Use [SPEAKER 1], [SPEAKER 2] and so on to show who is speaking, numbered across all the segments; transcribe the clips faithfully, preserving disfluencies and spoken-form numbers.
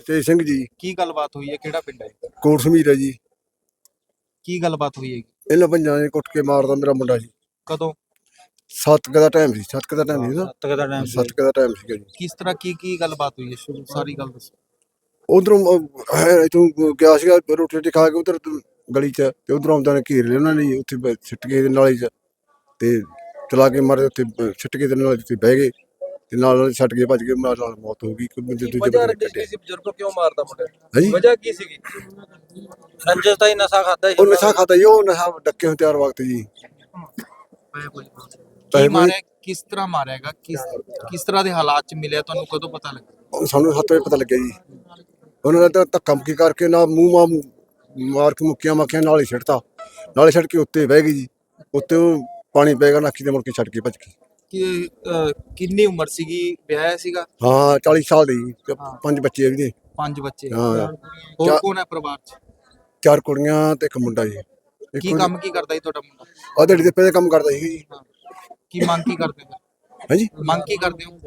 [SPEAKER 1] ਤੇ ਸਿੰਘ ਜੀ।
[SPEAKER 2] ਕੀ ਗੱਲਬਾਤ ਹੋਈ ਹੈ? ਕਿਹੜਾ ਪਿੰਡ ਹੈ?
[SPEAKER 1] ਕੋਟ ਸਮੀਰ ਹੈ ਜੀ।
[SPEAKER 2] ਕੀ ਗੱਲਬਾਤ ਹੋਈ ਹੈ?
[SPEAKER 1] ਇਹਨਾਂ ਪੰਜਾਂ ਨੇ ਕੁੱਟ ਕੇ ਮਾਰਦਾ ਮੇਰਾ ਮੁੰਡਾ ਜੀ।
[SPEAKER 2] ਕਦੋਂ?
[SPEAKER 1] ਸੱਤ ਕੁ ਦਾ ਟਾਈਮ ਸੀ। ਸੱਤ ਕੁ ਦਾ ਟਾਈਮ ਸੀ ਨਾ।
[SPEAKER 2] ਸੱਤ ਦਾ ਟਾਈਮ
[SPEAKER 1] ਸੱਤ ਕੁ ਦਾ ਟਾਈਮ ਸੀਗਾ ਜੀ।
[SPEAKER 2] ਕਿਸ ਤਰ੍ਹਾਂ ਕੀ ਕੀ ਗੱਲਬਾਤ ਹੋਈ ਹੈ? ਸ਼ੁਰੂ ਸਾਰੀ ਗੱਲ ਦੱਸੋ।
[SPEAKER 1] ਉਧਰੋਂ ਇਥੋਂ ਗਿਆ ਸੀਗਾ ਰੋਟੀ ਰੋਟੀ ਖਾ ਕੇ ਉਧਰ ਗਲੀ 'ਚ, ਤੇ ਉਧਰੋਂ ਆਉਂਦਾ ਨੇ ਘੇਰ ਲਿਆ ਉਹਨਾਂ ਨੇ, ਉੱਥੇ ਸਿੱਟ ਕੇ ਨਾਲੀ 'ਚ ਤੇ ਚਲਾ ਕੇ ਮਾਰੇ, ਉੱਥੇ ਸਿੱਟ ਕੇ ਤੇ ਨਾਲੀ 'ਚ ਬਹਿ ਗਏ ਤੇ ਨਾਲ ਨਾਲ ਛੱਡ ਕੇ ਭੱਜ ਗਏ। ਨਾਲ ਨਾਲ ਮੌਤ ਹੋ ਗਈ। ਕੋਈ ਬੰਦੇ ਦੂਜੇ ਬੰਦੇ ਕੱਢੇ।
[SPEAKER 3] ਬਜ਼ੁਰਗ ਕਿਉਂ ਮਾਰਦਾ ਮੁੰਡਾ?
[SPEAKER 1] ਹਾਂਜੀ,
[SPEAKER 3] ਵਜ੍ਹਾ ਕੀ ਸੀਗੀ?
[SPEAKER 2] ਰੰਜਸ ਤਾਂ ਹੀ ਨਸ਼ਾ ਖਾਦਾ
[SPEAKER 1] ਉਹ ਨਸ਼ਾ ਖਾਦਾ ਜੀ। ਉਹ ਨਸ਼ਾ ਡੱਕੇ ਹੋਏ ਤਿਆਰ ਵਕਤ ਜੀ।
[SPEAKER 2] ਕੀ ਮਾਰਿਆ? ਕਿਸ ਤਰ੍ਹਾਂ ਮਾਰਿਆਗਾ? ਕਿਸ ਕਿਸ ਤਰ੍ਹਾਂ ਦੇ ਹਾਲਾਤ ਚ ਮਿਲਿਆ ਤੁਹਾਨੂੰ? ਕਦੋਂ ਪਤਾ ਲੱਗਾ?
[SPEAKER 1] ਸਾਨੂੰ ਸੱਤ ਵਜੇ ਪਤਾ ਲੱਗਿਆ ਜੀ। ਉਹਨਾਂ ਨੇ ਤਾਂ ਧੱਕਾ ਮੁੱਕੀ ਕਰਕੇ ਨਾ ਮੂੰਹ ਮਾਂ ਮਾਰ ਕੇ ਮੁੱਕੀਆਂ ਮਾਖੀਆਂ ਨਾਲ ਹੀ ਛੱਡਤਾ। ਨਾਲੇ ਛੱਡ ਕੇ ਉੱਤੇ ਬਹਿ ਗਈ ਜੀ। ਉੱਤੇ ਉਹ ਪਾਣੀ ਪੈ ਗਿਆ ਨਾਕੀ ਤੇ, ਮੁੜ ਕੇ ਛੱਡ ਕੇ ਭੱਜ ਗਈ।
[SPEAKER 2] ਕਿ ਕਿੰਨੀ ਉਮਰ ਸੀਗੀ? ਵਿਆਹਿਆ ਸੀਗਾ?
[SPEAKER 1] ਹਾਂ, ਚਾਲੀ ਸਾਲ ਦੀ ਜੀ। ਪੰਜ ਬੱਚੇ ਆ ਜੀ।
[SPEAKER 2] ਪੰਜ ਬੱਚੇ?
[SPEAKER 1] ਹਾਂ।
[SPEAKER 2] ਹੋਰ ਕੌਣ ਹੈ ਪਰਿਵਾਰ ਚ?
[SPEAKER 1] ਚਾਰ ਕੁੜੀਆਂ ਤੇ ਇੱਕ ਮੁੰਡਾ ਜੀ।
[SPEAKER 2] ਕੀ ਕੰਮ ਕੀ ਕਰਦਾ ਜੀ ਤੁਹਾਡਾ ਮੁੰਡਾ?
[SPEAKER 1] ਆ ਦਿਹਾੜੀ ਦੇ ਪੈਸੇ ਕੰਮ ਕਰਦਾ ਸੀ ਜੀ।
[SPEAKER 2] ਕੀ ਮੰਗ ਕੀ ਕਰਦੇ ਹੋ?
[SPEAKER 1] ਹਾਂਜੀ,
[SPEAKER 2] ਮੰਗ ਕੀ ਕਰਦੇ ਹੋ?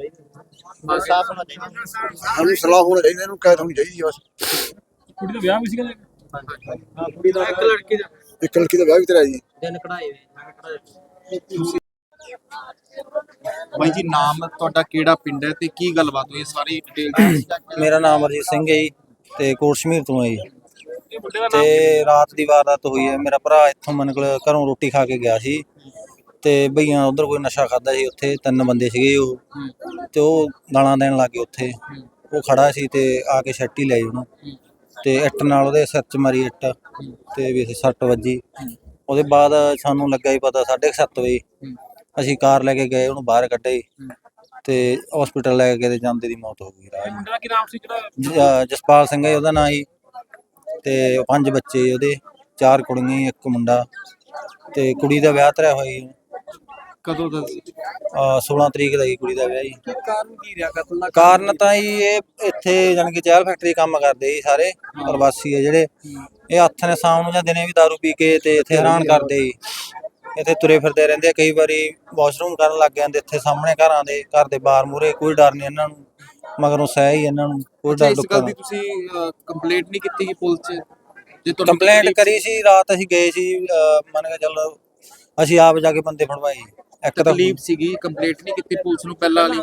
[SPEAKER 1] ਸਾਨੂੰ ਸਲਾਹ ਹੋਣਾ ਚਾਹੀਦਾ, ਇਹਨੂੰ ਕੈਦ ਹੋਣੀ ਚਾਹੀਦੀ ਬਸ।
[SPEAKER 3] ਕੁੜੀ ਦਾ ਵਿਆਹ ਵੀ ਸੀਗਾ?
[SPEAKER 2] ਹਾਂ, ਕੁੜੀ ਦਾ ਇੱਕ ਲੜਕੀ ਦਾ
[SPEAKER 1] ਇੱਕ ਲੜਕੀ ਦਾ ਵਿਆਹ ਵੀ ਕਰਾਇਆ ਜੀ।
[SPEAKER 2] ਦਿਨ ਕਢਾਏ ਬਾਈ ਜੀ। ਨਾਮ ਤੁਹਾਡਾ, ਕਿਹੜਾ ਪਿੰਡ ਹੈ ਤੇ ਕੀ ਗੱਲਬਾਤ ਹੋਈ? ਸਾਰੀ ਡਿਟੇਲ।
[SPEAKER 4] ਮੇਰਾ ਨਾਮ ਅਰਜੀਤ ਸਿੰਘ ਹੈ ਜੀ ਤੇ ਕੋਟ ਸਮੀਰ ਤੋਂ ਹੈ ਜੀ। ਤੇ ਰਾਤ ਦੀ ਵਾਰਦਾਤ ਹੋਈ ਹੈ। ਮੇਰਾ ਭਰਾ ਇੱਥੋਂ ਮਨ ਕੋਲ ਘਰੋਂ ਰੋਟੀ ਖਾ ਕੇ ਗਿਆ ਸੀ ਤੇ ਭਈਆਂ ਉਧਰ ਕੋਈ ਨਸ਼ਾ ਖਾਦਾ ਸੀ। ਉੱਥੇ ਤਿੰਨ ਬੰਦੇ ਸੀਗੇ ਉਹ, ਤੇ ਉਹ ਗਾਲਾਂ ਦੇਣ ਲੱਗ ਗਏ ਉੱਥੇ। ਉਹ ਖੜਾ ਸੀ ਤੇ ਆ ਕੇ ਛੱਟੀ ਲਈ ਉਹਨੂੰ, ਤੇ ਇੱਟ ਨਾਲ ਉਹਦੇ ਸਿਰ 'ਚ ਮਾਰੀ ਇੱਟ, ਤੇ ਵੀ ਸੱਟ ਵੱਜੀ। ਉਹਦੇ ਬਾਅਦ ਸਾਨੂੰ ਲੱਗਾ ਹੀ ਪਤਾ ਸਾਢੇ ਕੁ ਸੱਤ ਵਜੇ ਅਸੀਂ ਕਾਰ ਲੈ ਕੇ ਗਏ, ਉਹਨੂੰ ਬਾਹਰ ਕੱਢੇ ਤੇ ਹਸਪੀਟਲ ਲੈ ਕੇ ਗਏ ਤੇ ਜਾਂਦੇ ਦੀ ਮੌਤ ਹੋ ਗਈ।
[SPEAKER 3] ਮੁੰਡਾ ਕੀ ਨਾਮ ਸੀ ਜਿਹੜਾ?
[SPEAKER 4] ਜਸਪਾਲ ਸਿੰਘ ਹੈ ਉਹਦਾ ਨਾਂ ਜੀ। ਤੇ ਪੰਜ ਬੱਚੇ ਉਹਦੇ, ਚਾਰ ਕੁੜੀਆਂ ਇੱਕ ਮੁੰਡਾ, ਤੇ ਕੁੜੀ ਦਾ ਵਿਆਹ ਧਰਿਆ ਹੋਇਆ ਜੀ।
[SPEAKER 2] ਕਦੋਂ ਦਾ?
[SPEAKER 4] ਸੋਲਾਂ ਤਰੀਕ ਦਾ ਹੀ ਕੁੜੀ ਦਾ ਵਿਆਹ ਜੀ।
[SPEAKER 3] ਕਾਰਨ ਕੀ ਰਿਹਾ ਕਤਲ ਦਾ?
[SPEAKER 4] ਕਾਰਨ ਤਾਂ ਜੀ ਇਹ ਇੱਥੇ ਜਾਣੀ ਕਿ ਚਾਹ ਫੈਕਟਰੀ ਕੰਮ ਕਰਦੇ ਜੀ ਸਾਰੇ ਪ੍ਰਵਾਸੀ ਆ ਜਿਹੜੇ। ਇਹ ਹੱਥ ਨੇ ਸ਼ਾਮ ਨੂੰ ਜਾਂ ਦਿਨੇ ਵੀ ਦਾਰੂ ਪੀ ਕੇ ਤੇ ਇੱਥੇ ਹੈਰਾਨ ਕਰਦੇ ਜੀ। ਇੱਥੇ ਤੁਰੇ ਫਿਰਦੇ ਰਹਿੰਦੇ ਆ। ਕਈ ਵਾਰੀ ਵਾਸ਼ਰੂਮ ਕਰਨ ਲੱਗ ਜਾਂਦੇ ਇੱਥੇ ਸਾਹਮਣੇ ਘਰਾਂ ਦੇ, ਘਰ ਦੇ ਬਾਹਰ ਮੂਹਰੇ। ਕੋਈ ਡਰ ਨਹੀਂ ਇਹਨਾਂ ਨੂੰ, ਮਗਰੋਂ ਸਹਿ ਹੀ ਇਹਨਾਂ ਨੂੰ ਕੋਈ ਡਰ।
[SPEAKER 2] ਇਸ ਗੱਲ ਦੀ ਤੁਸੀਂ ਕੰਪਲੇਂਟ ਨਹੀਂ ਕੀਤੀ ਕਿ ਪੁਲਿਸ 'ਚ? ਜੇ ਤੁਹਾਨੂੰ
[SPEAKER 4] ਕੰਪਲੇਂਟ ਕਰੀ ਸੀ ਰਾਤ, ਅਸੀਂ ਗਏ ਸੀ। ਮੰਨ ਕੇ ਚੱਲ ਅਸੀਂ ਆਪ ਜਾ ਕੇ ਬੰਦੇ ਫੜਵਾਏ। ਇੱਕ ਤਾਂ
[SPEAKER 2] ਤਕਲੀਫ ਸੀਗੀ, ਕੰਪਲੇਂਟ ਨਹੀਂ ਕੀਤੀ ਪੁਲਿਸ ਨੂੰ ਪਹਿਲਾਂ ਵਾਲੀ?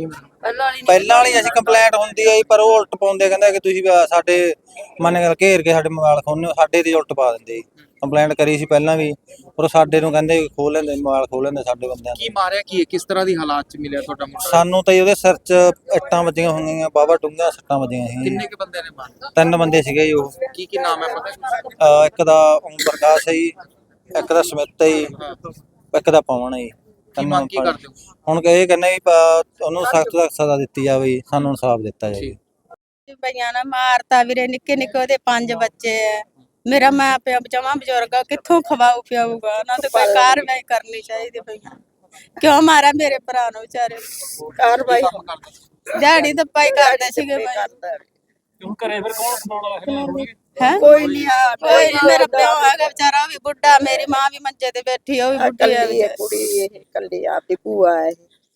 [SPEAKER 4] ਪਹਿਲਾਂ ਵਾਲੀ ਅਸੀਂ ਕੰਪਲੇਂਟ ਹੁੰਦੀ ਹੈ ਪਰ ਉਹ ਉਲਟ ਪਾਉਂਦੇ, ਕਹਿੰਦੇ ਕਿ ਤੁਸੀਂ ਸਾਡੇ ਮੰਨ ਕੇ ਘੇਰ ਕੇ ਸਾਡੇ ਮੋਬਾਈਲ ਖੋਲ੍ਹਦੇ ਹੋ, ਸਾਡੇ ਤੇ ਉਲਟ ਪਾ ਦਿੰਦੇ। ਕੰਪਲੇਂਟ ਕਰੀ ਸੀ ਪਹਿਲਾਂ ਵੀ, ਪਰ ਸਾਡੇ ਨੂੰ ਕਹਿੰਦੇ ਖੋਲ ਲੈਂਦੇ ਮੋਬਾਈਲ, ਖੋਲ ਲੈਂਦੇ ਸਾਡੇ ਬੰਦਿਆਂ
[SPEAKER 2] ਕੀ ਮਾਰਿਆ ਕੀ ਹੈ? ਕਿਸ ਤਰ੍ਹਾਂ ਦੀ ਹਾਲਾਤ 'ਚ ਮਿਲਿਆ ਤੁਹਾਡਾ ਮੁੰਡਾ?
[SPEAKER 4] ਸਾਨੂੰ ਤਾਂ ਉਹਦੇ ਸਿਰ 'ਚ ਇੱਟਾਂ ਵੱਜੀਆਂ ਹੋਈਆਂ, ਬਾਵਾ ਡੂੰਘੀਆਂ ਸੱਟਾਂ ਵੱਜੀਆਂ ਸੀ।
[SPEAKER 2] ਕਿੰਨੇ ਕੁ ਬੰਦੇ ਨੇ ਮਾਰੇ?
[SPEAKER 4] ਤਿੰਨ ਬੰਦੇ ਸੀਗੇ ਜੀ ਉਹ।
[SPEAKER 2] ਕੀ ਕੀ ਨਾਮ ਹੈ ਪਤਾ?
[SPEAKER 4] ਅਹ ਇੱਕ ਦਾ ਓਮ ਪ੍ਰਕਾਸ਼ ਹੈ ਜੀ, ਇੱਕ ਦਾ ਸਮਿਤ ਹੈ ਜੀ, ਇੱਕ ਦਾ ਪਵਨ ਹੈ ਜੀ।
[SPEAKER 2] ਕੀ ਮੰਗ ਕੀ ਕਰਦੇ ਹੋ?
[SPEAKER 4] ਹੁਣ ਇਹ ਕਹਿੰਦੇ ਵੀ ਉਹਨੂੰ ਸਖਤ ਤੋਂ ਸਖਤ ਸਜ਼ਾ ਦਿੱਤੀ ਜਾਵੇ, ਸਾਨੂੰ ਇਨਸਾਫ ਦਿੱਤਾ ਜਾਵੇ।
[SPEAKER 5] ਭਈਆਂ ਨੇ ਮਾਰਤਾ ਵੀਰੇ, ਨਿੱਕੇ ਨਿੱਕੇ ਉਹਦੇ ਪੰਜ ਬੱਚੇ ਐ। ਮੇਰਾ ਮਾਂ ਪਿਓ ਜਮਾਂ ਬਜ਼ੁਰਗ ਆ, ਕਿੱਥੋਂ ਖਵਾਊ ਪਿਆਊਗਾ? ਉਹਨਾਂ ਤੇ ਕੋਈ ਕਾਰਵਾਈ ਕਰਨੀ ਚਾਹੀਦੀ। ਭਈਆਂ ਕਿਉਂ ਮਾਰਿਆ ਮੇਰੇ ਭਰਾ ਨੂੰ ਵਿਚਾਰੇ? ਕਾਰਵਾਈ ਦਿਹਾੜੀ ਤਾਂ ਪਾਈ ਕਰਦੇ ਸੀਗੇ ਭਾਈ।
[SPEAKER 3] ਹੁਣ ਘਰੇ ਫਿਰ ਕੌਣ ਖਵਾਉਣ ਵਾਲਾ
[SPEAKER 5] ਹੈ? ਕੋਈ ਨਹੀਂ ਆ, ਕੋਈ ਨਹੀਂ। ਮੇਰਾ ਪਿਓ ਹੈਗਾ ਵਿਚਾਰਾ, ਉਹ ਵੀ ਬੁੱਢਾ। ਮੇਰੀ ਮਾਂ ਵੀ ਮੰਜੇ ਤੇ ਬੈਠੀ, ਉਹ ਵੀ ਬੁੱਢੀ ਹੈ।
[SPEAKER 6] ਕੁੜੀ ਇਹ ਕੱਲੀ ਆਪਦੀ ਭੂਆ ਹੈ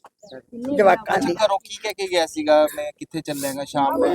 [SPEAKER 6] ਜਵਾਕਾਂ ਦੀ।
[SPEAKER 2] ਘਰੋਂ ਕੀ ਕਹਿ ਕੇ ਗਿਆ ਸੀਗਾ? ਮੈਂ ਕਿੱਥੇ ਚੱਲਾਂਗਾ ਸ਼ਾਮ ਨੂੰ?
[SPEAKER 5] ਇਹ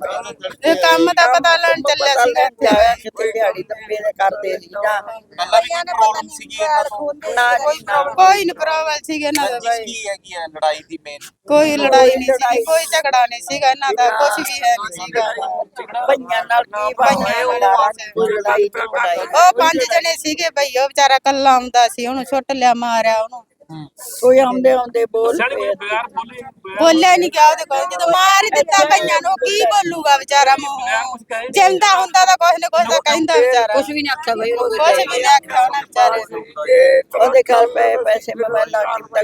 [SPEAKER 5] ਕੰਮ ਦਾ ਪਤਾ ਲੈਣ ਚੱਲਿਆ ਸੀਗਾ।
[SPEAKER 6] ਕਿਤੇ ਦਿਹਾੜੀ ਦੱਪੇ ਦੇ ਕਰਦੇ ਸੀ ਜਾਂ
[SPEAKER 2] ਪਹਿਲਾਂ ਵੀ ਕੋਈ ਪ੍ਰੋਬਲਮ ਸੀਗੀ ਇਹਨਾਂ ਤੋਂ?
[SPEAKER 6] ਨਾ
[SPEAKER 5] ਕੋਈ ਨੀ ਪ੍ਰੋਬਲਮ ਸੀਗਾ ਇਹਨਾਂ ਦਾ
[SPEAKER 2] ਰੰਜਿਸ਼
[SPEAKER 5] ਭਾਈ।
[SPEAKER 2] ਕੀ ਹੈਗੀ ਹੈ ਲੜਾਈ ਦੀ ਮੇਨ?
[SPEAKER 5] ਕੋਈ ਲੜਾਈ ਨਹੀਂ ਸੀ, ਕੋਈ ਝਗੜਾ ਨਹੀਂ ਸੀਗਾ ਇਹਨਾਂ ਦਾ, ਕੁਝ ਵੀ ਹੈ ਨਹੀਂ ਸੀਗਾ।
[SPEAKER 6] ਭਈਆਂ ਨਾਲ ਕੀ ਬਣਿਆ? ਲੜਾਈ ਝਗੜਾਈ
[SPEAKER 5] ਉਹ ਪੰਜ ਜਣੇ ਸੀਗੇ ਭਈ, ਉਹ ਵਿਚਾਰਾ ਕੱਲਾ ਆਉਂਦਾ ਸੀ, ਉਹਨੂੰ ਛੁੱਟ ਲਿਆ, ਮਾਰਿਆ ਉਹਨੂੰ।
[SPEAKER 6] ਕੋਈ ਆਉਂਦੇ ਆਉਂਦੇ ਬੋਲ
[SPEAKER 3] ਬਗੈਰ
[SPEAKER 6] ਪਿਆ।
[SPEAKER 3] ਬੋਲੇ
[SPEAKER 5] ਬੋਲਿਆ ਨਹੀਂ ਗਿਆ ਉਹਦੇ ਕੋਲ, ਜਦੋਂ ਮਾਰ ਹੀ ਦਿੱਤਾ ਭਈਆਂ ਨੂੰ, ਕੀ ਬੋਲੂਗਾ ਵਿਚਾਰਾ? ਮੂੰਹ ਜਿੰਦਾ ਹੁੰਦਾ ਤਾਂ ਕੁਛ ਨਾ ਕੁਛ ਤਾਂ ਕਹਿੰਦਾ ਵਿਚਾਰਾ। ਕੁਝ ਵੀ ਨਹੀਂ ਆਖਿਆ ਬਈ, ਕੁਝ ਵੀ ਨਹੀਂ ਆਖਿਆ ਉਹਨੇ ਵਿਚਾਰੇ ਨੂੰ।
[SPEAKER 6] ਉਹਦੇ ਘਰ ਪਏ ਪੈਸੇ ਮੋਬਾਈਲਾਂ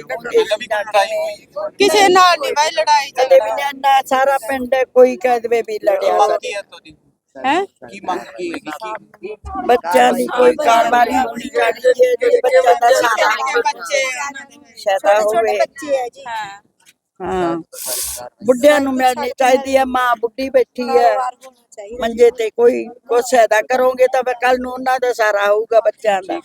[SPEAKER 5] ਕਿਸੇ ਨਾਲ ਨਹੀਂ ਭਾਈ ਲੜਾਈ
[SPEAKER 6] ਕਦੇ ਵੀ
[SPEAKER 5] ਝਗੜਾ।
[SPEAKER 6] ਨਾ ਸਾਰਾ ਪਿੰਡ ਕੋਈ ਕਹਿ ਦੇਵੇ ਵੀ ਲੜਿਆ
[SPEAKER 2] ਮੰਗ ਕੀ ਹੈ ਤੁਹਾਡੀ?
[SPEAKER 5] ਹੈ
[SPEAKER 2] ਕੀ ਮੰਗ ਕੀ ਹੈਗੀ? ਕੀ
[SPEAKER 6] ਬੱਚਿਆਂ ਦੀ ਕੋਈ ਕਾਰਵਾਈ ਹੋਣੀ ਚਾਹੀਦੀ ਹੈ। ਜਿਹੜੇ ਬੱਚਿਆਂ ਦਾ ਸਾਰਾ
[SPEAKER 5] ਬੱਚੇ
[SPEAKER 6] ਸ਼ੈਦਾ ਹੋਵੇ।
[SPEAKER 5] ਹਾਂ
[SPEAKER 6] ਹਾਂ, ਬੁੱਢਿਆਂ ਨੂੰ ਮਿਲਣੀ ਚਾਹੀਦੀ ਹੈ। ਮਾਂ ਬੁੱਢੀ ਬੈਠੀ ਹੈ ਮੰਜੇ ਤੇ, ਕੋਈ ਕੁਛ ਸਹਾਇਤਾ ਕਰੋਗੇ ਤਾਂ ਕੱਲ ਨੂੰ ਉਹਨਾਂ ਦਾ ਸਾਰਾ ਹੋਊਗਾ ਬੱਚਿਆਂ ਦਾ।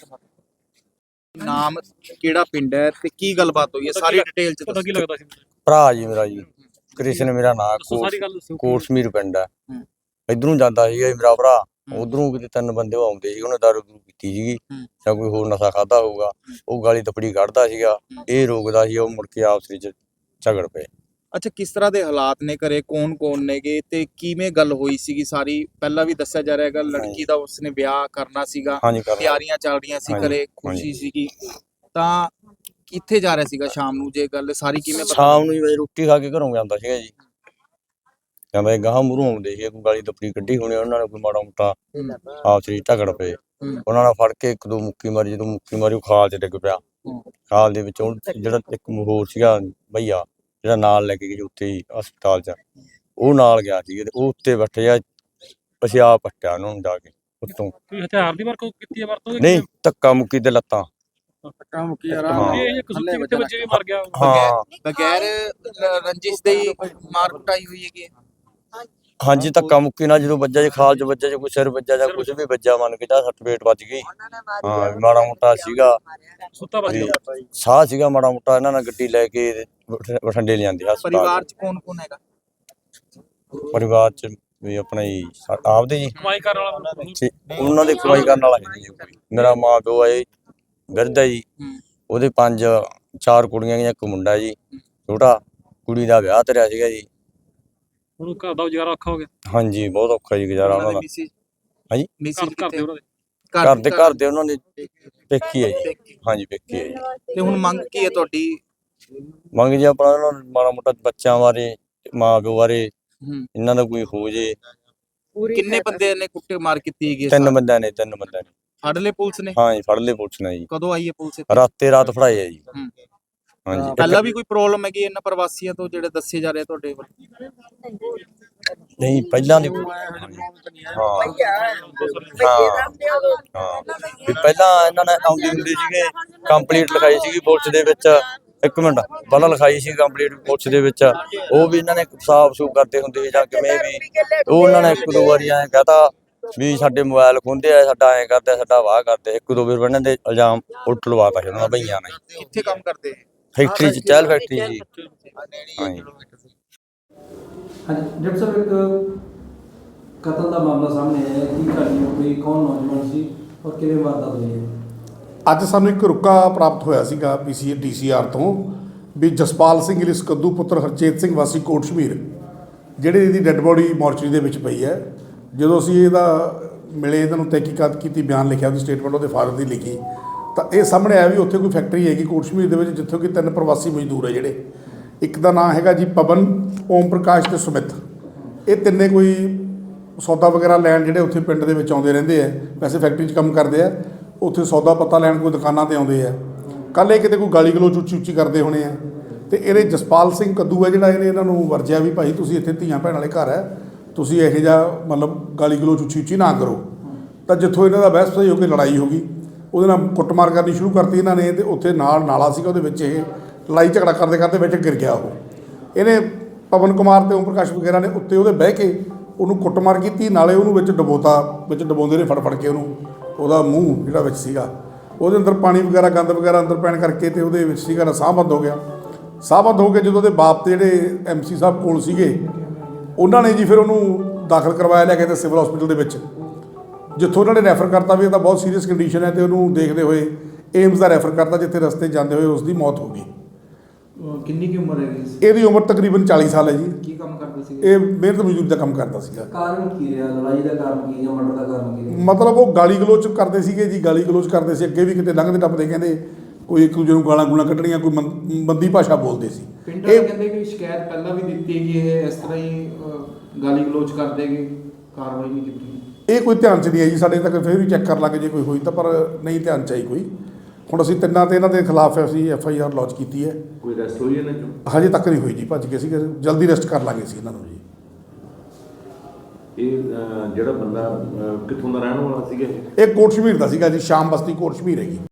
[SPEAKER 2] ਨਾਮ ਕਿਹੜਾ ਪਿੰਡ ਹੈ ਤੇ ਕੀ ਗੱਲਬਾਤ ਹੋਈ ਹੈ? ਸਾਰੀ ਡਿਟੇਲ ਚ
[SPEAKER 3] ਪਤਾ ਕੀ
[SPEAKER 2] ਦੱਸੋ।
[SPEAKER 3] ਲੱਗਦਾ ਸੀ?
[SPEAKER 4] ਭਰਾ ਜੀ ਮੇਰਾ ਜੀ।
[SPEAKER 7] ਕ੍ਰਿਸ਼ਨ ਮੇਰਾ ਨਾਂ,
[SPEAKER 3] ਦੱਸੋ ਸਾਰੀ ਗੱਲ ਦੱਸੋ।
[SPEAKER 7] ਕੋਟਸ਼ਮੀਰ ਪਿੰਡ ਹੈ।
[SPEAKER 2] ਹੂੰ।
[SPEAKER 7] ਇਧਰੋਂ ਜਾਂਦਾ ਸੀਗਾ ਜੀ ਮੇਰਾ ਭਰਾ,
[SPEAKER 2] ਹੂੰ।
[SPEAKER 7] ਉਧਰੋਂ ਕਿਤੇ ਤਿੰਨ ਬੰਦੇ ਉਹ ਆਉਂਦੇ ਸੀ, ਉਹਨੇ ਦਾਰੂ ਦੂਰੂ ਪੀਤੀ ਸੀਗੀ
[SPEAKER 2] ਹੂੰ।
[SPEAKER 7] ਜਾਂ ਕੋਈ ਹੋਰ ਨਸ਼ਾ ਖਾਦਾ ਹੋਊਗਾ, ਉਹ ਗਾਲੀ ਤਪੜੀ ਕੱਢਦਾ ਸੀਗਾ, ਇਹ ਰੋਕਦਾ ਸੀ, ਉਹ ਮੁੜ ਕੇ ਆਪਸ ਵਿੱਚ ਝਗੜ ਪਏ।
[SPEAKER 2] ਅੱਛਾ, ਕਿਸ ਤਰ੍ਹਾਂ ਦੇ ਹਾਲਾਤ ਨੇ ਘਰੇ, ਕੌਣ ਕੌਣ ਨੇਗੇ ਤੇ ਕਿਵੇਂ ਗੱਲ ਹੋਈ ਸੀਗੀ ਸਾਰੀ? ਪਹਿਲਾਂ ਵੀ ਦੱਸਿਆ ਜਾ ਰਿਹਾ ਹੈਗਾ ਲੜਕੀ ਦਾ ਉਸਨੇ ਵਿਆਹ ਕਰਨਾ ਸੀਗਾ,
[SPEAKER 7] ਹਾਂਜੀ ਕਰ
[SPEAKER 2] ਤਿਆਰੀਆਂ ਚੱਲ ਰਹੀਆਂ ਸੀ,
[SPEAKER 7] ਹਾਂਜੀ,
[SPEAKER 2] ਘਰੇ ਖੁਸ਼ੀ ਸੀਗੀ, ਤਾਂ ਕਿੱਥੇ ਜਾ ਰਿਹਾ ਸੀਗਾ ਸ਼ਾਮ ਨੂੰ? ਜੇ ਗੱਲ ਸਾਰੀ ਕਿਵੇਂ ਪਤਾ
[SPEAKER 7] ਸ਼ਾਮ ਨੂੰ ਜੀ ਰੋਟੀ ਖਾ ਕੇ ਘਰੋਂ ਜਾਂਦਾ ਸੀਗਾ ਜੀ, ਕਹਿੰਦਾ ਗਾਹਾਂ ਮੂਹਰੋਂ ਆਉਂਦੇ ਸੀ, ਕੋਈ ਗਾਲੀ ਤਪੜੀ ਕੱਢੀ ਹੋਣੀ ਉਹਨਾਂ ਨੇ, ਕੋਈ ਮਾੜਾ ਮੋਟਾ ਆਪਸ ਵਿੱਚ ਝਗੜ ਪਏ, ਉਹਨਾਂ ਨਾਲ ਫੜ ਕੇ ਇੱਕ ਦੋ ਮੁੱਕੀ ਮਾਰੀ, ਜਦੋਂ ਮੁੱਕੀ ਮਾਰੀ ਉਹ ਖਾਲ 'ਚ ਡਿੱਗ ਪਿਆ, ਖਾਲ ਦੇ ਵਿੱਚ ਉਹ ਜਿਹੜਾ ਇੱਕ ਹੋਰ ਸੀਗਾ ਭਈਆ ਜਿਹੜਾ ਨਾਲ ਲੈ ਕੇ ਗਏ ਉੱਥੇ ਹੀ ਹਸਪਤਾਲ 'ਚ, ਉਹ ਨਾਲ ਗਿਆ ਸੀ ਤੇ ਉਹ ਉੱਤੇ ਬੈਠੇ ਆ, ਅਸੀਂ ਆਪ ਪੱਟਿਆ ਉਹਨਾਂ ਨੂੰ ਜਾ ਕੇ ਉੱਤੋਂ।
[SPEAKER 3] ਕੋਈ ਹਥਿਆਰ ਦੀ ਵਰਤੋਂ ਕੀਤੀ ਹੈ ਵਰਤੋਂ
[SPEAKER 7] ਨਹੀਂ, ਧੱਕਾ ਮੁੱਕੀ ਤੇ ਲੱਤਾਂ।
[SPEAKER 2] ਪੱਟਾ ਮੁੱਕੀ
[SPEAKER 7] ਹਾਂ।
[SPEAKER 3] ਇਹ ਇੱਕ ਸੁੱਤੇ ਕਿਤੇ ਬੱਚੇ ਵੀ ਮਰ ਗਿਆ।
[SPEAKER 7] ਹਾਂ
[SPEAKER 2] ਬਗੈਰ ਰ- ਰੰਜਿਸ਼ ਦੇ ਹੀ ਮਾਰ ਕੁਟਾਈ ਹੋਈ ਹੈਗੀ?
[SPEAKER 7] ਹਾਂਜੀ, ਧੱਕਾ ਮੁੱਕੀ ਨਾਲ ਜਦੋਂ ਵੱਜਾ, ਜੇ ਖਾਲ 'ਚ ਵੱਜਾ, ਜੇ ਕੋਈ ਸਿਰ ਵੱਜਾ ਜਾਂ ਕੁਝ ਵੀ ਵੱਜਾ, ਮੰਨ ਕੇ ਜਾ ਸੱਟ ਪੇਟ ਵੱਜ ਗਈ। ਹਾਂ, ਮਾੜਾ ਮੋਟਾ ਸੀਗਾ,
[SPEAKER 3] ਸੁੱਤਾ ਬੱਚਾ।
[SPEAKER 7] ਵੀ ਸਾਹ ਸੀਗਾ ਮਾੜਾ ਮੋਟਾ, ਇਹਨਾਂ ਨਾਲ ਗੱਡੀ ਲੈ ਕੇ ਬਠ- ਬਠਿੰਡੇ ਲਿਆਂਦੇ ਹਸਪਤਾਲ।
[SPEAKER 2] ਪਰਿਵਾਰ ਚ ਕੌਣ ਕੌਣ ਹੈਗਾ?
[SPEAKER 7] ਪਰਿਵਾਰ 'ਚ ਵੀ ਆਪਣਾ ਹੀ ਸਾ- ਆਪਦੇ ਜੀ,
[SPEAKER 3] ਕਮਾਈ ਕਰਨ ਵਾਲਾ ਬੰਦਾ।
[SPEAKER 7] ਛੇ- ਉਹਨਾਂ ਦੇ ਕਮਾਈ ਕਰਨ ਵਾਲਾ ਹੈ ਨਹੀਂ ਜੀ ਕੋਈ। ਮੇਰਾ ਮਾਂ ਪਿਓ ਹੈ ਬਿਰਧ ਹੈ ਜੀ,
[SPEAKER 2] ਹੂੰ।
[SPEAKER 7] ਉਹਦੇ ਪੰਜ ਚਾਰ ਕੁੜੀਆਂ ਗਈਆਂ, ਇੱਕ ਮੁੰਡਾ ਜੀ ਛੋਟਾ, ਕੁੜੀ ਦਾ ਵਿਆਹ ਧਰਿਆ ਸੀਗਾ ਜੀ।
[SPEAKER 3] ਹੁਣ ਘਰ ਦਾ ਗੁਜ਼ਾਰਾ ਔਖਾ ਹੋ ਗਿਆ।
[SPEAKER 7] ਹਾਂਜੀ, ਬਹੁਤ ਔਖਾ ਜੀ ਗੁਜ਼ਾਰਾ ਉਹਨਾਂ ਦਾ।
[SPEAKER 2] ਮਿਸਿਸ
[SPEAKER 7] ਹਾਂਜੀ?
[SPEAKER 2] ਮਿਸਿਸ
[SPEAKER 3] ਘਰ ਘਰ ਦੇ ਉਹਨਾਂ ਦੇ
[SPEAKER 7] ਘਰ ਦੇ ਘਰ ਦੇ ਉਹਨਾਂ ਦੇ ਪੇਕੀ ਹੈ ਜੀ। ਹਾਂਜੀ, ਪੇਕੀ ਹੈ ਜੀ।
[SPEAKER 2] ਤੇ ਹੁਣ ਮੰਗ ਕੀ ਹੈ ਤੁਹਾਡੀ?
[SPEAKER 7] ਮੰਗ ਜੀ ਆਪਣਾ ਉਹਨਾਂ ਨੂੰ ਮਾੜਾ ਮੋਟਾ ਬੱਚਿਆਂ ਬਾਰੇ, ਮਾਂ ਪਿਓ ਬਾਰੇ
[SPEAKER 2] ਹੂੰ।
[SPEAKER 7] ਇਹਨਾਂ ਦਾ ਕੋਈ ਹੋ ਜੇ।
[SPEAKER 2] ਕਿੰਨੇ ਬੰਦੇ ਨੇ ਕੁੱਟੇ ਮਾਰ ਕੀਤੀ ਹੈਗੀ?
[SPEAKER 7] ਤਿੰਨ ਬੰਦਿਆਂ ਨੇ ਤਿੰਨ ਬੰਦਿਆਂ ਨੇ
[SPEAKER 2] ਫੜ ਲਏ ਪੁਲਿਸ ਨੇ?
[SPEAKER 7] ਹਾਂ ਜੀ, ਫੜ ਲਏ ਪੁਲਿਸ ਨੇ ਜੀ,
[SPEAKER 2] ਕਦੋਂ ਆਈ ਹੈ ਪੁਲਿਸ ਇੱਥੇ?
[SPEAKER 7] ਰਾਤੇ ਰਾਤ ਫੜਾਏ ਆ ਜੀ।
[SPEAKER 2] ਹੂੰ।
[SPEAKER 7] ਹਾਂਜੀ,
[SPEAKER 2] ਪਹਿਲਾਂ ਵੀ ਕੋਈ ਪ੍ਰੋਬਲਮ ਹੈਗੀ ਇਹਨਾਂ ਪ੍ਰਵਾਸੀਆਂ ਤੋਂ ਜਿਹੜੇ ਦੱਸੇ ਜਾ ਰਹੇ ਤੁਹਾਡੇ ਵੱਲ?
[SPEAKER 7] ਨਹੀਂ ਪਹਿਲਾਂ ਦੀ ਹਾਂ ਹਾਂ ਹਾਂ ਵੀ ਪਹਿਲਾਂ ਇਹਨਾਂ ਨੇ ਆਉਂਦੀ ਹੁੰਦੀ ਸੀਗੇ, ਕੰਪਲੀਟ ਲਿਖਾਈ ਸੀਗੀ ਪੁਲਿਸ ਦੇ ਵਿੱਚ, ਇੱਕ ਮਿੰਟ ਪਹਿਲਾਂ ਲਿਖਾਈ ਸੀ ਕੰਪਲੀਟ ਪੁਲਿਸ ਦੇ ਵਿੱਚ, ਉਹ ਵੀ ਇਹਨਾਂ ਨੇ ਸਾਫ ਸੂਫ ਕਰਦੇ ਹੁੰਦੇ ਸੀ ਜਾਂ ਕਿਵੇਂ ਵੀ, ਉਹ ਉਹਨਾਂ ਨੇ ਇੱਕ ਦੋ ਵਾਰੀ ਐਂ ਕਹਤਾ ਵੀ ਸਾਡੇ ਮੋਬਾਈਲ ਖੋਹਦੇ ਆ, ਸਾਡਾ ਐਂ ਕਰਦੇ, ਸਾਡਾ ਵਾਹ ਕਰਦੇ, ਇੱਕ ਦੋ ਵਾਰ ਇਹਨਾਂ ਦੇ ਇਲਜ਼ਾਮ ਉਲਟ ਲਵਾਤਾ ਸੀ ਉਹਨਾਂ ਨੇ ਭਈਆਂ ਨੇ।
[SPEAKER 2] ਕਿੱਥੇ ਕੰਮ ਕਰਦੇ?
[SPEAKER 7] ਫੈਕਟਰੀ 'ਚ, ਚਹਿਲ ਫੈਕਟਰੀ ਜੀ। ਹਾਂਜੀ।
[SPEAKER 8] ਹਾਂਜੀ ਡਾਕਟਰ ਸਾਹਿਬ, ਇੱਕ ਕਤਲ ਦਾ ਮਾਮਲਾ ਸਾਹਮਣੇ ਆਇਆ, ਕੀ ਕਹਾਣੀ ਹੋ ਗਈ, ਕੌਣ ਨੌਜਵਾਨ ਸੀ ਔਰ ਕਿਵੇਂ ਵਾਰਦਾਤ ਹੋਈ ਹੈ?
[SPEAKER 9] ਅੱਜ ਸਾਨੂੰ ਇੱਕ ਰੁਕਾ ਪ੍ਰਾਪਤ ਹੋਇਆ ਸੀਗਾ ਪੀਸੀ ਡੀ ਸੀ ਆਰ ਤੋਂ ਵੀ ਜਸਪਾਲ ਸਿੰਘ ਲਿਸ ਕੱਦੂ ਪੁੱਤਰ ਹਰਚੇਤ ਸਿੰਘ ਵਾਸੀ ਕੋਟਸ਼ਮੀਰ, ਜਿਹੜੇ ਇਹਦੀ ਡੈੱਡ ਬੋਡੀ ਮੋਰਚਰੀ ਦੇ ਵਿੱਚ ਪਈ ਹੈ। ਜਦੋਂ ਅਸੀਂ ਇਹਦਾ ਮਿਲੇ, ਇਹਨਾਂ ਨੂੰ ਤਹਿਕੀਕਾਤ ਕੀਤੀ, ਬਿਆਨ ਲਿਖਿਆ, ਉਹਦੀ ਸਟੇਟਮੈਂਟ ਉਹਦੇ ਫਾਦਰ ਦੀ ਲਿਖੀ, ਤਾਂ ਇਹ ਸਾਹਮਣੇ ਆਇਆ ਵੀ ਉੱਥੇ ਕੋਈ ਫੈਕਟਰੀ ਹੈਗੀ ਕੋਟਸ਼ਮੀਰ ਦੇ ਵਿੱਚ, ਜਿੱਥੋਂ ਕਿ ਤਿੰਨ ਪ੍ਰਵਾਸੀ ਮਜ਼ਦੂਰ ਹੈ ਜਿਹੜੇ, ਇੱਕ ਦਾ ਨਾਮ ਹੈਗਾ ਜੀ ਪਵਨ, ਓਮ ਪ੍ਰਕਾਸ਼ ਤੇ ਸੁਮਿਤ। ਇਹ ਤਿੰਨੇ ਕੋਈ ਸੌਦਾ ਵਗੈਰਾ ਲੈਣ ਜਿਹੜੇ ਉੱਥੇ ਪਿੰਡ ਦੇ ਵਿੱਚ ਆਉਂਦੇ ਰਹਿੰਦੇ ਆ, ਵੈਸੇ ਫੈਕਟਰੀ 'ਚ ਕੰਮ ਕਰਦੇ ਆ, ਉੱਥੇ ਸੌਦਾ ਪੱਤਾ ਲੈਣ ਕੋਈ ਦੁਕਾਨਾਂ 'ਤੇ ਆਉਂਦੇ ਆ। ਕੱਲ੍ਹ ਇਹ ਕਿਤੇ ਕੋਈ ਗਾਲੀ ਗਲੋਚ ਉੱਚੀ ਉੱਚੀ ਕਰਦੇ ਹੋਣੇ ਆ, ਤੇ ਇਹਨੇ ਜਸਪਾਲ ਸਿੰਘ ਕੱਦੂ ਹੈ ਜਿਹੜਾ, ਇਹਨੇ ਇਹਨਾਂ ਨੂੰ ਵਰਜਿਆ ਵੀ ਭਾਈ ਤੁਸੀਂ ਇੱਥੇ ਧੀਆਂ ਭੈਣ ਵਾਲੇ ਘਰ ਹੈ, ਤੁਸੀਂ ਇਹੋ ਜਿਹਾ ਮਤਲਬ ਗਾਲੀ ਗਲੋਚ ਉੱਚੀ ਉੱਚੀ ਨਾ ਕਰੋ। ਤਾਂ ਜਿੱਥੋਂ ਇਹਨਾਂ ਦਾ ਬਹਿਸ ਹੋ ਕੇ ਲੜਾਈ ਹੋ ਗਈ, ਉਹਦੇ ਨਾਲ ਕੁੱਟਮਾਰ ਕਰਨੀ ਸ਼ੁਰੂ ਕਰਤੀ ਇਹਨਾਂ ਨੇ, ਤੇ ਉੱਥੇ ਨਾਲ ਨਾਲਾ ਸੀਗਾ, ਉਹਦੇ ਵਿੱਚ ਇਹ ਲੜਾਈ ਝਗੜਾ ਕਰਦੇ ਕਰਦੇ ਵਿੱਚ ਗਿਰ ਗਿਆ ਉਹ। ਇਹਨੇ ਪਵਨ ਕੁਮਾਰ ਤੇ ਓਮ ਪ੍ਰਕਾਸ਼ ਵਗੈਰਾ ਨੇ ਉੱਤੇ ਉਹਦੇ ਬਹਿ ਕੇ ਉਹਨੂੰ ਕੁੱਟਮਾਰ ਕੀਤੀ, ਨਾਲੇ ਉਹਨੂੰ ਵਿੱਚ ਡਬੋਤਾ, ਵਿੱਚ ਡਬੋਂਦੇ ਨੇ ਫੜ ਫੜ ਕੇ ਉਹਨੂੰ, ਉਹਦਾ ਮੂੰਹ ਜਿਹੜਾ ਵਿੱਚ ਸੀਗਾ ਉਹਦੇ ਅੰਦਰ ਪਾਣੀ ਵਗੈਰਾ ਗੰਦ ਵਗੈਰਾ ਅੰਦਰ ਪੈਣ ਕਰਕੇ, ਤੇ ਉਹਦੇ ਵਿੱਚ ਸੀਗਾ ਨਾ ਸਾਹ ਬੰਦ ਹੋ ਗਿਆ। ਸਾਹ ਬੰਦ ਹੋ ਕੇ ਜਦੋਂ ਉਹਦੇ ਬਾਪ ਤੇ ਜਿਹੜੇ ਐਮ ਸੀ ਸਾਹਿਬ ਕੋਲ ਸੀਗੇ, ਉਹਨਾਂ ਨੇ ਜੀ ਫਿਰ ਉਹਨੂੰ ਦਾਖਲ ਕਰਵਾਇਆ ਲਿਆ ਕੇ ਤੇ ਸਿਵਲ ਹਸਪੀਟਲ ਦੇ ਵਿੱਚ, ਜਿੱਥੋਂ ਉਹਨਾਂ ਨੇ ਰੈਫਰ ਕਰਤਾ ਵੀ ਇਹ ਤਾਂ ਬਹੁਤ ਸੀਰੀਅਸ ਕੰਡੀਸ਼ਨ ਹੈ, ਤੇ ਉਹਨੂੰ ਦੇਖਦੇ ਹੋਏ ਏਮਸ ਦਾ ਰੈਫਰ ਕਰਤਾ, ਜਿੱਥੇ ਰਸਤੇ ਜਾਂਦੇ ਹੋਏ ਉਸ ਦੀ ਮੌਤ ਹੋ ਗਈ।
[SPEAKER 8] ਕਿੰਨੀ ਕੀ ਉਮਰ ਹੈਗੀ ਸੀ?
[SPEAKER 9] ਇਹਦੀ ਉਮਰ ਤਕਰੀਬਨ ਚਾਲੀ ਸਾਲ ਹੈ ਜੀ।
[SPEAKER 8] ਕੀ ਕੰਮ ਕਰਦੇ ਸੀ?
[SPEAKER 9] ਇਹ ਮਿਹਨਤ ਮਜ਼ਦੂਰੀ ਦਾ ਕੰਮ ਕਰਦਾ ਸੀਗਾ।
[SPEAKER 8] ਕਾਰਨ ਕੀ ਰਿਹਾ? ਲੜਾਈ ਦਾ ਕਾਰਨ ਕੀ ਜਾਂ ਮਰਡਰ ਦਾ ਕਾਰਨ ਕੀ ਰਿਹਾ?
[SPEAKER 9] ਮਤਲਬ ਉਹ ਗਾਲੀ ਗਲੋਚ ਕਰਦੇ ਸੀਗੇ ਜੀ, ਗਾਲੀ ਗਲੋਚ ਕਰਦੇ ਸੀ, ਅੱਗੇ ਵੀ ਕਿਤੇ ਲੰਘਦੇ ਟੱਪਦੇ ਕਹਿੰਦੇ ਕੋਈ ਇੱਕ ਦੂਜੇ ਨੂੰ ਗਾਲਾਂ ਗੂਲਾਂ ਕੱਢਣੀਆਂ, ਕੋਈ ਮੰ- ਮੰਦੀ ਭਾਸ਼ਾ ਬੋਲਦੇ ਸੀ।
[SPEAKER 10] ਪਿੰਡ ਵਾਲੇ ਕਹਿੰਦੇ ਕਿ ਸ਼ਿਕਾਇਤ ਪਹਿਲਾਂ ਵੀ ਦਿੱਤੀ ਹੈਗੀ, ਇਹ ਇਸ ਤਰ੍ਹਾਂ ਹੀ ਅਹ, ਗਾਲੀ ਗਲੋਚ ਕਰਦੇ ਹੈਗੇ, ਕਾਰਵਾਈ ਨਹੀਂ ਕੀਤੀ।
[SPEAKER 9] ਇਹ ਕੋਈ ਧਿਆਨ 'ਚ ਨਹੀਂ ਆਈ ਜੀ ਸਾਡੇ ਤੱਕ, ਫਿਰ ਵੀ ਚੈੱਕ ਕਰ ਲਾਂਗੇ ਜੇ ਕੋਈ ਹੋਈ ਤਾਂ, ਪਰ ਨਹੀਂ ਧਿਆਨ 'ਚ ਆਈ ਕੋਈ। ਹੁਣ ਅਸੀਂ ਤਿੰਨਾਂ ਤੇ ਇਹਨਾਂ ਦੇ ਖਿਲਾਫ ਅਸੀਂ ਐਫ ਆਈ ਆਰ ਲੌਂਚ ਕੀਤੀ ਹੈ।
[SPEAKER 11] ਕੋਈ ਅਰੈਸਟ ਹੋਈ ਇਹਨਾਂ 'ਚੋਂ?
[SPEAKER 9] ਹਜੇ ਤੱਕ ਨਹੀਂ ਹੋਈ ਜੀ, ਭੱਜ ਗਏ ਸੀ, ਜਲਦੀ ਅਰੈਸਟ ਕਰ ਲਾਂਗੇ ਅਸੀਂ ਇਹਨਾਂ ਨੂੰ ਜੀ।
[SPEAKER 11] ਇਹ ਅਹ, ਜਿਹੜਾ ਬੰਦਾ ਅਹ, ਕਿੱਥੋਂ ਦਾ ਰਹਿਣ ਵਾਲਾ ਸੀਗਾ ਇਹ?
[SPEAKER 9] ਇਹ ਕੋਟਸ਼ਮੀਰ ਦਾ ਸੀਗਾ ਜੀ, ਸ਼ਾਮ ਬਸਤੀ ਕੋਟਸ਼ਮੀਰ ਹੈਗੀ।